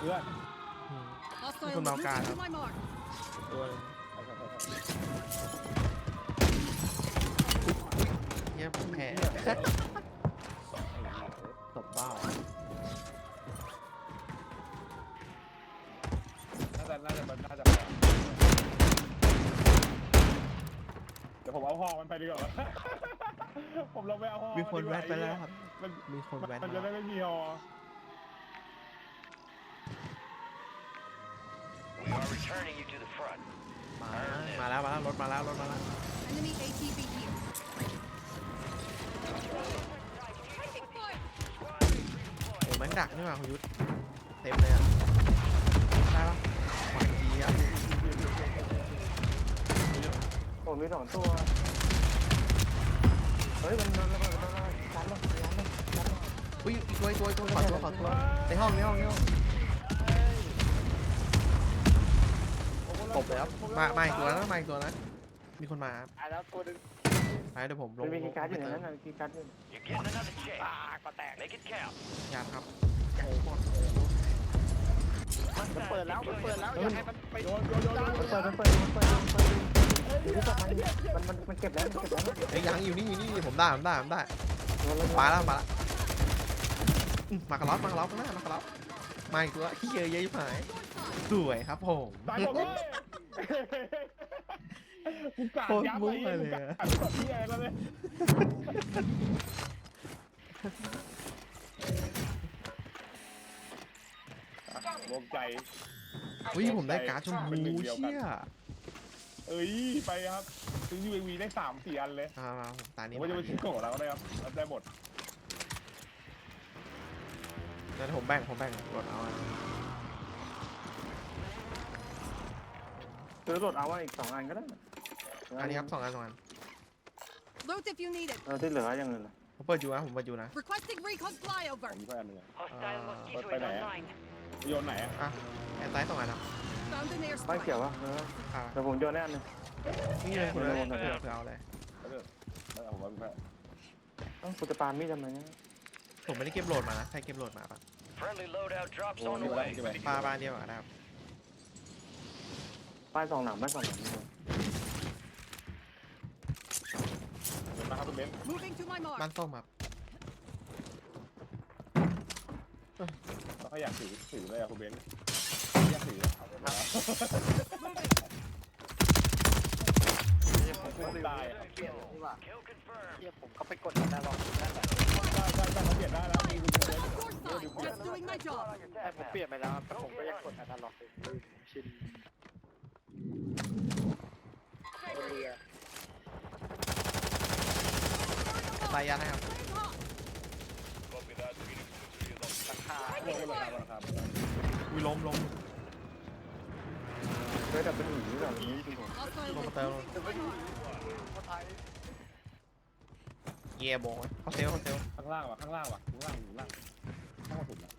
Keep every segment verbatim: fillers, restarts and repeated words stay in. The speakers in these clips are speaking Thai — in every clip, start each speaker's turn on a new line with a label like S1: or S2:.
S1: พื่อนมีคนเมากาครับตัวเยี่ยผมแพ้ตบบ้าน่าจะน่าจะมันน่าจะเดี๋ยวผมเอาห้องมันไปดีกว่าผมลงไปเอาห้องมีคนแวะไปแล้วครับมีคนแวะมันจะได้ไม่มีฮอมามาแล้วมาแล้วรถมาแล้วรถมาแล้วโอ้แม่งดักนี่หว่าคุณยุทธเต็มเลยอ่ะได้ปะขวานดีครับ
S2: ผมมีสองตัวเฮ้ยมันมันมันมันยันเลยยันเลยยันเลย
S1: อุ้ยตัวตัวตัวขอตัวขอตัวในห้องในห้องในห้องตบเลยครับมามาอีกตัวนะมาอีกตัวนะมีคนมา
S2: อ่ะแล้วตัวนึง
S1: ไปเดี๋ยวผมลง
S2: มีกีการ์ดอยู่ในนั้นนะกีการ์ดอยู่อ่าก็แตก
S1: ยาครับ
S2: มันเปิดแล้วมันเปิดแล้วอย่าให้มันไปโยนโยนโยนมันเปิดมันเปิดมันเปิดมันเปิดอยู่ที่มันมันมันเก็บแล้วมันเก็บแล้ว
S1: ไอ้ยังอยู่นี่อยู่นี่ผมได้ผมได้ผมได้มาแล้วมาแล้วมากระล็อกมากระล็อกหน้ามากระล็อกมาอีกตัวเฮ้ยเยอะยิ่งหายสวยครับผมโคตรมุ้งเลย
S3: วงใจ
S1: อุ้ยผมได้การ์ดชมพูเชี่ย
S3: เอ้ยไปครับซื้อ ยู เอ วี ได้สามสี่อันเลย
S1: มามาผมตานี้
S3: ว่าจะไปซื้อโกะแล้วก็ได้ครับได้หมด
S1: งั้นผมแบ่งผมแบ่งรถเอา
S2: ซื้อรถเอาไว้อีกสองอันก็ได้
S1: อันนี้ครับสองอันสองอัน
S2: เออที่เหลือยังเงิน
S1: ผมเปิดอยู่นะผมเปิดอยู่นะ
S3: ผมมีแค่อันนึงไปไหนโยนไหน
S1: อ่ะแอนไซส์สองอันครับ
S2: ไม่เกี่ยววะเดี๋ยวผมโยนแน่นึง
S1: นี่เลยคุณเลยเผื่อเผื่อเอาเลย
S3: ผมว่าแค่
S2: ต้องคุณจะปามีดทำไมเนี่ย
S1: ผมไม่ได้เก็บโหลดมานะใครเก็บโหลดมาปะปลาปลาเดียวกันนะครับ
S2: ป้ายสองหนังป้ายสองหนัง
S3: มาครับคุณเบน
S1: บ้านส้มครับ
S3: เขาอยากถือถือเลยอะคุณเบนอยากถือเอาไปมาผมได้
S2: เปลี่ยนนี่ว่าเทียบผมก็ไปกดได้หรอกได้แบบ
S3: ได้ได้ได้เขาเปลี่ยนได้แล้วมีคุณเบน
S2: แต่ผมเปลี่ยนไปแล้วแต่ผมก็ยังกดได้หรอกชิน
S1: ตายยันนะครับอุ้ยล้มล้ม
S2: เคยแต่เป็นหนีแบบนี้จริงผม
S1: ลงมาเติมเย่บอยเขาเซลเขาเซล
S3: ข้างล่างว่ะข้างล่างว่ะข้างล่างอยู่ล่างข้างบนสุดนะ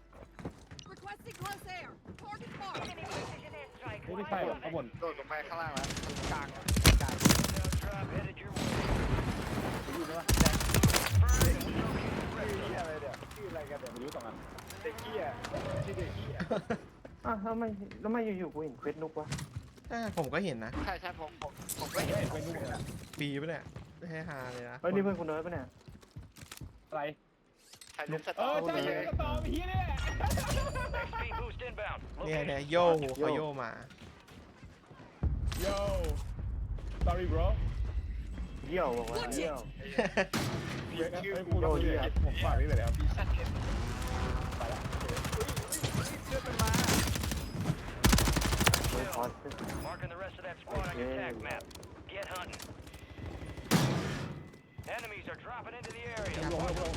S3: ไม่ใช่หรอข้างบน
S2: โดดลงไปข้างล่างแล้วกลางกลาง
S3: อยู่ไหมวะ
S2: ชื่ออะไรเดี๋ยวชื่ออะไรกันเดี๋ยว
S3: ไม่รู้สองอัน
S2: เด็กเกี้ยชื่อเด็กเกี้ยอ่ะทำไมแล้วไม่อยู่ๆกูเห็นเควสนุกวะ
S1: ผมก็เห็นนะ
S2: ใช่ใช่ผมผมผมก็เห็นเควสนุกนะ
S1: ปีปะเนี่ยไม่ให้ฮาเลยนะ
S2: เฮ้ยนี่เพื่อนคุณเนิร์ดปะเนี่ย
S3: อะไร
S2: ใครลุกสต
S3: อร์เออใช่สตอร์พี่เนี่ย
S1: เนี่ยเนี่ยโย่เขาโย่มา
S3: โย่ sorry bro
S2: เยี่ยวบอกว่าเยี่ยว
S3: เยี่ยวเอ้ยพูดดีครับผมฝากนี่เลยครับไปละ
S2: เชื่อเป็นมา
S4: Marking the rest of that squad on your attack map. Get hunting. Enemies are dropping into the area.
S3: Yeah,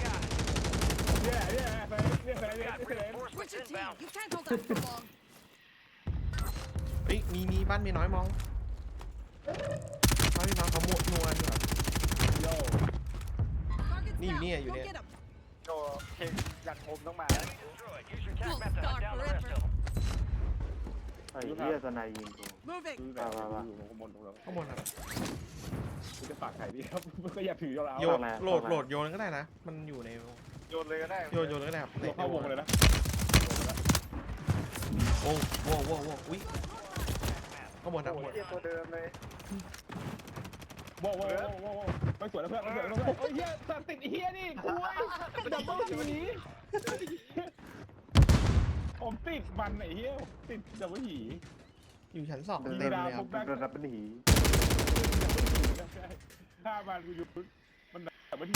S3: yeah,
S4: Got reinforcements inbound.
S1: เฮ้ยมีมีบ้านมีน้อยมองบ้านมีน้อยเขาหมดนัวอยู่แบบนี่อยู่นี่อยู่เนี่ย
S2: โจเพลงอยากผมต้องมาไอ้เหี้ยสนายยิงกู
S3: มามามาอยู่ข้างบนตรงเรา
S1: ข้างบนครับ
S3: คุณจะฝากไข่ดีครับก็อย่าถือยาวๆ
S1: โยนโหลดโหลดโยนก็ได้นะมันอยู่ใน
S2: โยนเลยก็ได้
S1: โยนโยนก็ได้ครับ
S3: เข้าวงเลยนะ
S1: โอ้โหโว้โว้อุ้ยข้างบนนะข้างบน
S2: เทียตัวเดิมเลย
S3: โว้โว้โว้โว้ไม่สวยแล้วเพื่อนไม่สวยแล้วเพื่อนโอ้ยเฮียสัตว์ติดเฮียนี่คุยดับเบิ้ลหีผมติดมันไอ้เฮียติดดับเบิ้ลหี
S1: อยู่ชั้นสอง
S2: เดิน
S1: เต็มเลยครับ
S2: เดินรับเป็นหี
S3: ถ้ามันกูอยู่มันดับเบิ้ล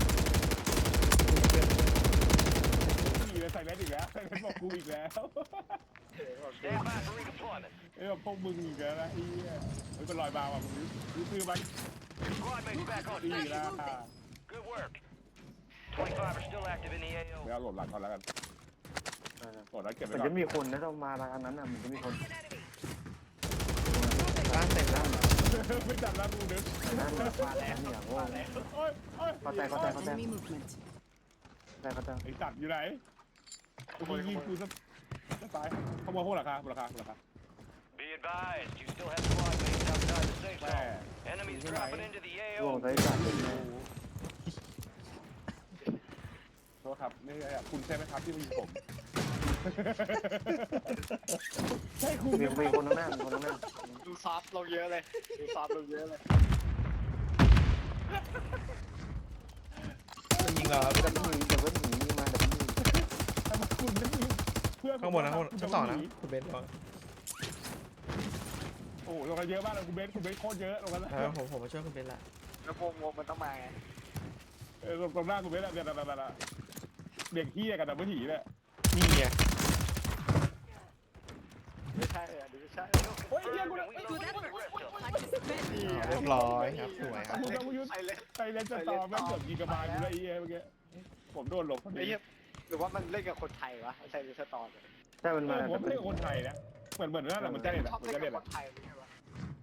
S3: หีเลยใส่แมสอีกแล้วใส่แมสบอกกูอีกแล้ว
S4: Stand by for redeployment.
S3: เอ้ยพวกมึงอีกแล้วนะไอ้เหี้ยเฮ้ยเป็นรอยบาวอ่ะมึงรู้ซื้อมัน
S4: Squad mates back on
S3: ดี
S4: station.
S3: แล้ว
S4: Good work. twenty-five are still active in the A O.
S3: ไม่เอาโหลดหลังก่อนแล้วกันโหลดแล้วเก็บ
S2: มั
S3: ไว้
S2: น
S3: ก่อ
S2: จะ
S3: น
S2: มีคนนะเรามาทางนั้นอ่ะมันจะมีคน
S1: บ้านเต็มแล้ว
S3: ไม่จำแล้วกูนึก
S2: นั่นมาแล้วเนี่ยโว้
S3: โอ้ยโอ้ย
S2: เข้าใจเข้าใจเข้าใจ
S5: Enemy movement.
S2: เข้าใจเข้าใจ
S3: ไอ้สัตว์อยู่ไหนกูยิงกูจะจะตายขโมยพวกราคาราคาราคา
S4: Be advised, you still have squad mates outside the safe
S3: แม่
S4: zone. Enemies dropping into the
S2: โว้
S4: A O.
S2: ใส่สัตว์
S3: โทษครับไม่ใช่คุณใช่ไหมครับที่มายิงผมใช่คุณ
S2: มีมีคนข้างหน้ามีคนข้างหน้า
S6: ดูซอฟต์ลงเยอะเลย ดูซอฟต์ลงเยอะเลย
S1: ยิงเราครับ
S2: ดับเบิ้ลหีดับเบิ้ลหีมาดับเบิ้ลหี
S3: ทำไมคุณไม่ยิงเพื่อน
S1: ข้างบนนะข้างบนชั้นสองนะคุณเบนซ์ลง
S3: โอ้ลงกันเยอะมากเลยคุณเบสคุณเบสโคตรเยอะลงกันแล้ว
S1: เออผมผมมาช่วยคุณเบนซ์ละ
S6: แล้ววงวงมันต้องมาไง
S3: เออตรงหน้าคุณเบสอะเดี๋ยวเดี๋ยวเดี๋ยวเด็กเฮียกับดับเบิลหีเนี่ย
S1: นี่ไง
S6: ไม่ใช่อ่ะดูไม่ใช่
S3: โอ้ยเฮียกูเลย
S5: Good effort. Participant.
S1: เรียบร้อยครับสวยครับ
S3: มึงกับมึงยุทธ
S6: ใช่เลย
S3: ไซเลนจะตอมแม่งเกือบยิงกระบาลกูเลยไอ้เหี้ยเมื่อกี้ผมโดนหลบพอ
S6: ไอ้
S3: ดี
S6: เหี้ยหรือว่ามันเล่นกับคนไทยวะไอ้ใช่หรือสตอร์เนี่ย
S2: ใช่มัน
S3: เอ
S2: มา
S3: อผมไม่ใช่คนไทยนะเหมือนเหมือนนั่นแหละเหมือนเจเน็ต
S6: ชอบ
S3: เหมือน
S6: เล่น
S3: เจ
S6: กั
S3: เน็
S6: บ
S3: ต
S6: คนไทยไม่ใช่วะ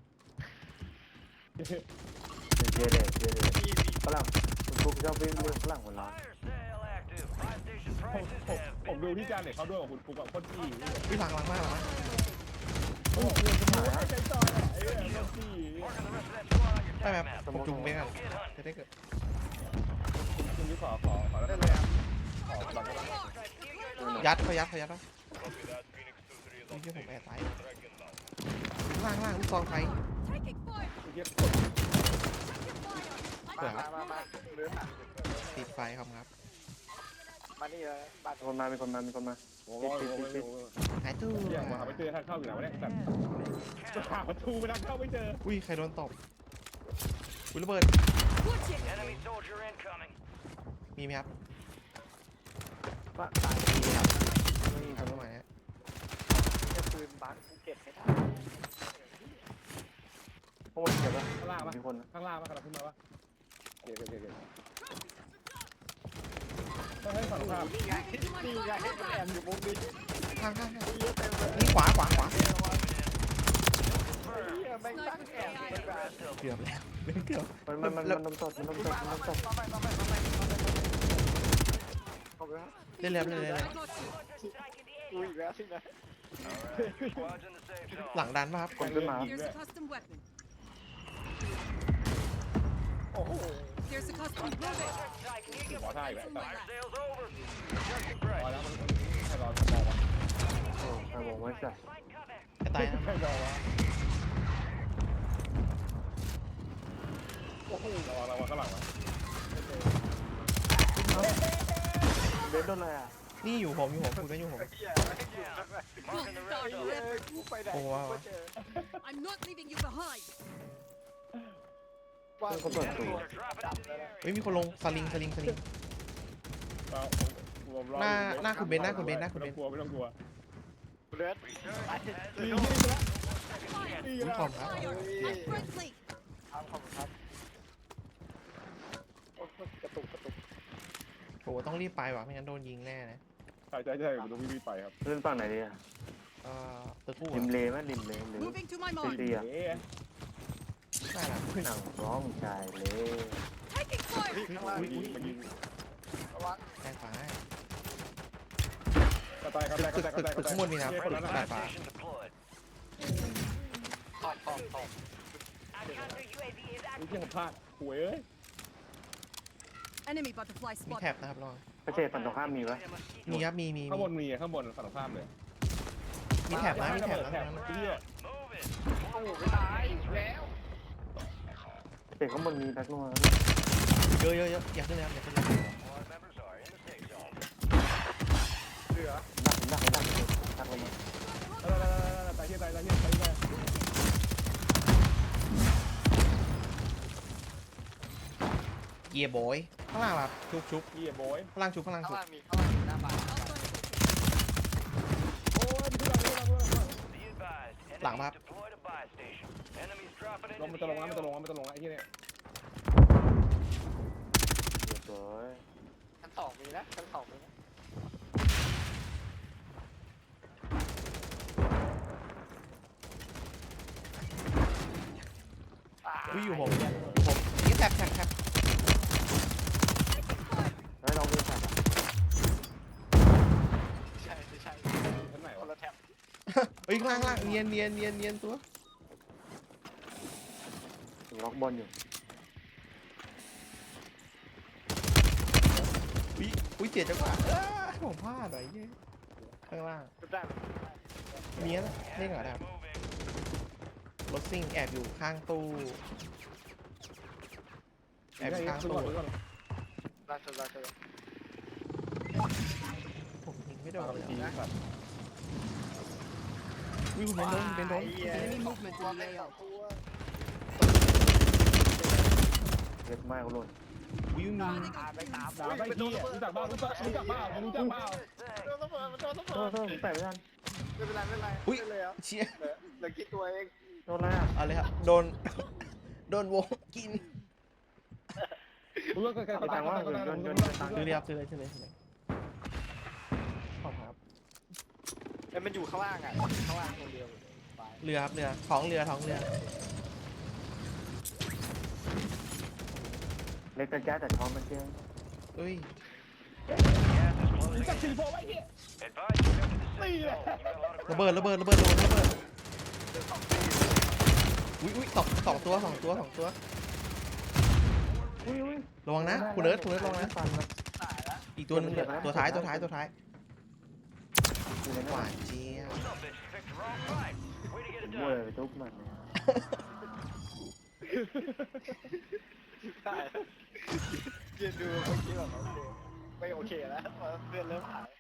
S2: เจเดเจเด
S6: มีมี
S2: ฝรั่งคุณฟุกชอบเรื่องฝรั่งคนเรา
S4: Fire sale active. Buy station
S3: ผม
S4: prices
S3: ผม
S4: have
S3: ผม
S4: been
S3: ดูที่จานเน็ตเขาด้วยกับคุณฟุกกับโคตรจี้
S1: พี่หลังหลังมากหลังมาก
S3: โอ้โหใจจอยอ่ะไอ้เรื่องโคตรจี้
S4: marking the rest of that squad on your
S1: ได้ไหม
S4: attack
S1: ครับ
S4: map.
S1: ผมจุงเบนซ์กัน
S4: Go get hunting.
S1: จะได้เกิด
S3: คุณนี่ขอขอขอแล้ว
S6: ได้
S3: กัน
S6: เลยอ่ะ
S3: ขอหลังกัน
S1: ยัดเขายัดเขายัดวะนี่ที่ผมแอบตายล่างล่างลูกซองไฟ
S5: Taking fire.
S3: เฮีย
S1: สวย
S6: มา
S1: ครับ
S6: มามาเรืออ่ะ
S1: ติดไฟครับครับ
S6: มานี่เลยบ้าน
S2: มีคนมามีคนมามีคนมา
S3: โอ้โหโอ้โหโอ้โห
S1: หายตู้
S3: เฮียมาหาไม่เจอทางเข้าอยู่ไหนวะเนี่ยแต่หาประตูไปทางเข้าไม่เจอ
S1: อุ้ยใครโดนตบอุ้ยระเบิด
S5: Watch it.
S4: Enemy soldier incoming.
S1: มีไหมครับ
S6: ว่าตายดีครับ
S1: ไม่มีครับประมาณนี้
S6: จะปืนบังกูเก็บให้ได้
S2: พวกมันเจ็บปะ
S3: ข้างล่างปะ
S2: มีคนนะ
S3: ข้างล่างปะกำลังขึ้นมาปะเดี๋ยวเดี๋ยวเดี๋ยวต้องให้ฝั่งข้าม
S6: นี่ไงนี่ไงให้มันแอบอยู่มุมนี้
S1: ข้างข้างข้าง
S6: เยอะเต็มเลย
S1: นี่ขวาขวาขวา
S6: เฮียแม่งตั้งแอบเลยแบบ
S1: เกือบแล้วเป็นเกือบ
S2: มันมันมันมันนมสดมันนมสดมันนมสด
S6: มาไปมาไปมาไปมาไปขอบคุณครับ
S1: เล่นแล้วเล่นแล้ว
S5: I got you.
S6: กูอีกแล้วสินะ
S4: Alright, your squad's in the safe zone.
S1: หลังดันป่ะครับ
S2: คนขึ้นมา
S5: Here's a custom weapon.
S6: โอ้โห
S5: Here's a custom bullet.
S3: ขอท่าอีกแล้วแต่
S4: Fire sale's over. Adjusting
S3: พอ
S4: price.
S3: แล้วมันใครรอจะมองวะ
S2: โอ้ใครบอกไว้จ้ะ
S1: จะตายนะ
S3: ใครรอวะ
S6: โอ้โห
S3: ระวังระวังข้างหลังวะ
S2: เบนโดนอะไรอ่ะ
S1: นี่อยู่ผมอยู่ผมคุณก็อยู่ผม
S6: เฮียไม่ให้อยู่ข้างใน
S4: Marking the rest
S6: เฮี
S4: of
S6: ย
S4: them.
S6: กูไปไหน
S1: โอ้ว้าว
S6: ก็เจอ
S5: I'm not leaving you behind.
S6: ว่า
S2: เพื่อนเขาเปิดประตู
S4: They're dropping into the area.
S1: เฮ้ยมีคนลงสลิงสลิงสลิง
S3: เรา
S1: หน้าหน้าคุณเบนซ์หน้าคุณเบนซ์หน้าคุณเบนซ์
S3: ไม่ต้องกลัวไม่ต้องกลัว
S6: เลือด
S3: ดี
S6: ดี
S3: ดี
S1: คุณ
S3: แล้ว
S1: ขอบครับ
S5: Fire. I'm friendly.
S6: ครับขอบคุณครับโอ้โหกระตุกกระตุก
S1: โหต้องรีบไปว่ะไม่งั้นโดนยิงแน่นะ
S3: ใช่ใช่ใช่ผมต้องวิ่งไปครับ
S2: เล่นฝั่งไหนดีอ่ะ
S1: เอ่อตึกกู้
S2: ริม
S1: อะ
S2: เลไหมริมเลหรือ
S5: Moving to my
S2: ตี
S5: mark.
S2: ตีอ่ะ
S3: เอ๊ะ
S1: ได้ละ
S2: หนังร้องชายเลย
S5: Taking fire.
S6: ข้างล่าง
S3: มันยิงมันยิง
S6: ระวัง
S1: แด้ขวาให้
S3: กระต่ายกระต่ายกระต่ายกระต่าย
S1: ตึกข้างบนมีนะ
S3: คนละ
S1: ดา
S3: นะ
S1: ดฟ้า
S4: Station deployed.
S6: ขอบขอบขอบ
S3: นี่ที่ผมพลาดหวยเอ้ย
S5: Enemy butterfly
S1: มี
S5: spot.
S1: แท็บนะครับลอง
S2: พระเจตฝั่งตรงข้ามมีปะ
S1: มีครับมีมี
S3: ข้างบ
S1: มี
S3: นมีข้างบนฝั่งตรงข้ามเลย
S1: มมีแถบนะมีแถบนะ
S3: แถบเหี้ย
S4: Move it.
S6: โอ้โหไม่ตายแล้ว
S2: เตะข้างบนมีแบ็คนัว
S1: เยอะเยอะเยอะอยากขึ้นเลยครับอยากขึ้นเลย
S4: Squad members are in the safe zone.
S6: เหลือ
S2: ดักดักดักดักลงมา
S3: เออตายเหี้ยตายตายเหี้ยตายเหี้ย
S1: เกียร์บอยข้างล่างแบบชุบชุบ
S3: เหี้ยบอย
S1: ข้างล่างชุบข้างล่าง
S6: ข้าง
S1: ชุบ
S6: ล่างมีข้างล่างมีหน้าบ้าน
S3: โอ้ยพี่เราพี่เราพี่เรา
S4: Be advised.
S1: Lặng
S4: Enemies
S1: bắp.
S4: deployed a buy station. Enemies dropping
S3: ลง
S4: into
S3: มัน
S4: the
S3: จะลงแล้ว
S4: A
S3: มันจะลง
S4: O.
S3: แล้วมันจะลงแล้วไอ้เหี้ยเนี่ย
S2: เรียบร้อย
S6: ชั้นสองมีนะชั้นสองมีนะ
S1: อุ้ยอยู่ผมผมนี่แถบแถบแถบ
S2: เฮ้ยเราดูสัตว์อ่ะ
S6: ใช่ไม่ใช่
S3: ชั้นไหน
S6: คน
S3: วะ
S6: ละแถบ
S1: เฮ้ยข้างล่างข้างล่างเนียนเนียนเนียนเนียนตัว
S2: ถึงล็อกบอลอยู่
S1: อุ้ยอุ้ยเจ็บจังหวะเอ้ยผมพลาดหน่อยเย้ข้างล่าง
S6: รูปได้
S1: เนียนอะเล่นเหรอครับ
S4: Moving.
S1: รถซิ่งแอบอยู่ข้างตู้แอบอยู่ข้างตู้
S6: ราชราช
S1: ผมยิงไม่โด
S3: เอา
S1: น
S3: ไป
S1: เลย
S3: ที
S1: อะ
S3: สัตว์
S1: อุ้ยคุณเป็นโดนคุณเป็นโดน
S5: Enemy movement in the A O.
S2: เล็กมากหล่น
S1: อุ้ยมี
S6: ตามไปตาม
S3: ด่าไปเหี้ยรู้จักบ้ารู้จักรู้จักบ้ารู้จักบ้า
S6: โดนระเบิดมันโดนระ
S2: โท
S6: เบิ
S2: ษ
S6: ด
S2: โทษผมแปะไม่ทัน
S6: ไม่เป็นไรไม่เป็นไร
S1: อุ้ย
S6: ไม่เลยอ่ะ
S1: เชี่ย
S6: เหลือเหลือกี่ตัวเอง
S2: โดนอะไรอ่ะ
S1: เอาเลยครับโดนโดนวงกิน
S3: รู้ว่าใคร
S2: เอา
S3: ตา
S2: ตั
S3: ย
S2: งค์
S3: ว่า
S2: ว่า
S3: ใคร
S2: โด
S3: ตาย
S2: นโดนโดนตังค์
S1: ซื้อเลยครับซื้อเลยซื้อเลยซื้อเลยขอบคุณครับ
S6: เอ้ยมันอยู่ข้างล่างอ่ะข้างล่างคนเดียวไป
S1: เรือครับเรือท้องเรือท้องเรือ
S2: เล็กกระจายแต่ท้องมันเจ๊ง
S1: เอ้ย
S4: Gas is
S3: รู้
S4: closing
S3: จัก
S4: in.
S3: ชิลโฟไว้เหี้ย
S4: Advise you go to the safe zone. You've got a lot of
S1: ระเบิดระเบิดระเบิดระเบิดระเบิดอุ้ยอุ้ยสองสองตัวสองตัวสองตัว
S2: อุ้ยอุ้ย
S1: ระวังนะคุณเอิร์ธคุณเอิร์ธระวังนะ
S2: ฟันครับ
S6: ตายแล้ว
S1: อีกตัวหนึงเหลือตัวท้ายตัวท้ายตัวท้าย
S2: อยู่ใน
S1: ห
S2: นั้น
S1: วานเจี๊ยบ
S4: Some bitch picked the wrong fight. Way to get it
S2: เว้ย
S4: done.
S2: ไปทุบมันเนี่ย
S6: ตายแล้วยืนดูเมื่อกี้แบบโอเคไม่โอเคแล้วเพื่อนเริ่มหาย